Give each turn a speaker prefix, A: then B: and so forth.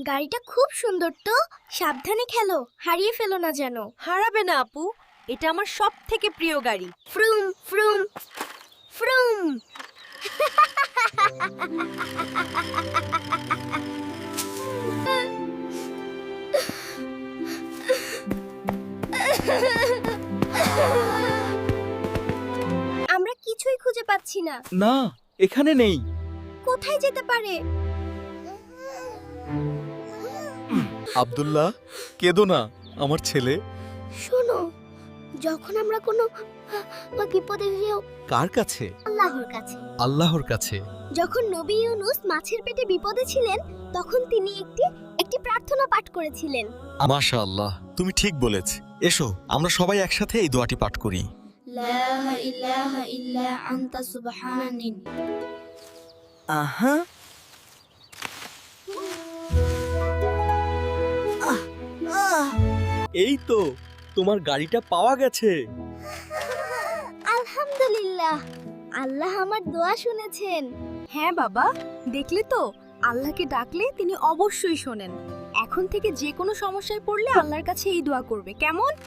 A: গাড়িটা খুব সুন্দর তো, সাবধানে খেলো, হারিয়ে ফেলো না যেন।
B: হারাবে না আপু, এটা আমার সবথেকে প্রিয় গাড়ি।
A: ফ্রুম ফ্রুম ফ্রুম। আমরা কিছুই খুঁজে পাচ্ছি না।
C: না, এখানে নেই।
A: কোথায় যেতে পারে?
C: আব্দুল্লাহ, কেঁদো না, আমার ছেলে।
A: শোনো, যখন আমরা কোনো বিপদে যাও,
C: কার কাছে?
A: আল্লাহর কাছে।
C: আল্লাহর কাছে।
A: যখন নবী ইউনুস মাছের পেটে বিপদে ছিলেন, তখন তিনি একটি প্রার্থনা পাঠ করেছিলেন।
D: মাশাআল্লাহ, তুমি ঠিক বলেছ। এসো আমরা সবাই একসাথে এই দোয়াটি পাঠ করি।
A: লা ইলাহা ইল্লা আনতা সুবহানানি।
C: আহা, এই তো তোমার গাড়িটা পাওয়া গেছে।
A: আলহামদুলিল্লাহ, আল্লাহ আমার দোয়া শুনেছেন।
B: হ্যাঁ বাবা, দেখলে তো, আল্লাহকে ডাকলে তিনি অবশ্যই শোনেন। এখন থেকে যে কোনো সমস্যায় পড়লে আল্লাহর কাছে এই দোয়া করবে, কেমন?